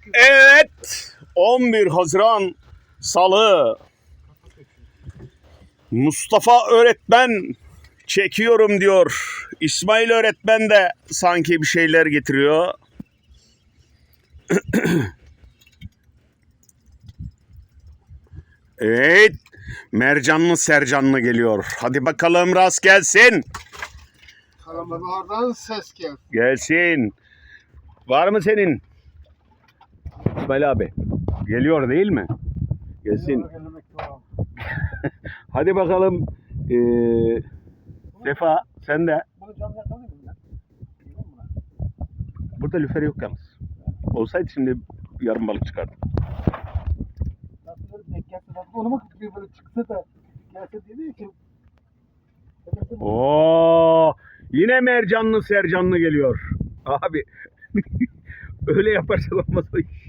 Evet, 11 Haziran Salı. Mustafa öğretmen çekiyorum diyor. İsmail öğretmen de sanki bir şeyler getiriyor. Evet, mercanlı sercanlı geliyor. Hadi bakalım rast gelsin. Karabalardan ses geldi. Gelsin. Var mı senin? İsmail abi. Geliyor değil mi? Gelsin. Hadi bakalım. Sefa sen de. Bunu canlı yakalıyor muyum ya? Burada lüfer yok yalnız. Olsaydı şimdi yarım balık çıkardı. Nasıl böyle denk gelse de onu mu bir böyle çıksa da gelse dediği için. Oo, yine mercanlı sercanlı geliyor. Abi öyle yaparsak olmaz o iş.